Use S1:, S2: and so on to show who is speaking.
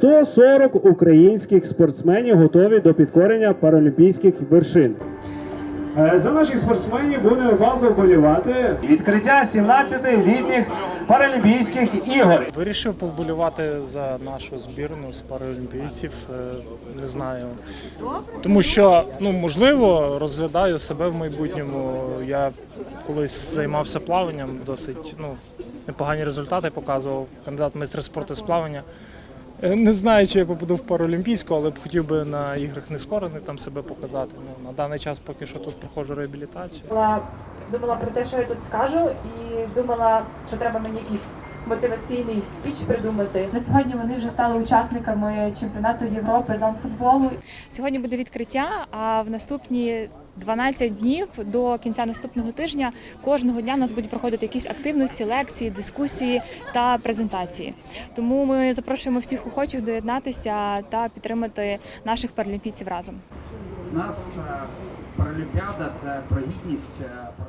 S1: 140 українських спортсменів готові до підкорення паралімпійських вершин. За наших спортсменів будемо палко вболівати. Відкриття 17-літніх паралімпійських ігор.
S2: Вирішив повболівати за нашу збірну з паралімпійців, не знаю. Тому що, можливо, розглядаю себе в майбутньому. Я колись займався плаванням, досить непогані результати показував, кандидат в майстри спорту з плавання. Не знаю, чи я попаду в паралімпійську, але б хотів би на іграх нескорених там себе показати. На даний час поки що тут проходжу реабілітацію.
S3: Думала про те, що я тут скажу, і думала, що треба мені якийсь мотиваційний спіч придумати. На сьогодні вони вже стали учасниками чемпіонату Європи з амфутболу.
S4: Сьогодні буде відкриття, а в наступні 12 днів до кінця наступного тижня кожного дня у нас будуть проходити якісь активності, лекції, дискусії та презентації. Тому ми запрошуємо всіх охочих доєднатися та підтримати наших паралімпійців разом.
S5: У нас паралімпіада – це про гідність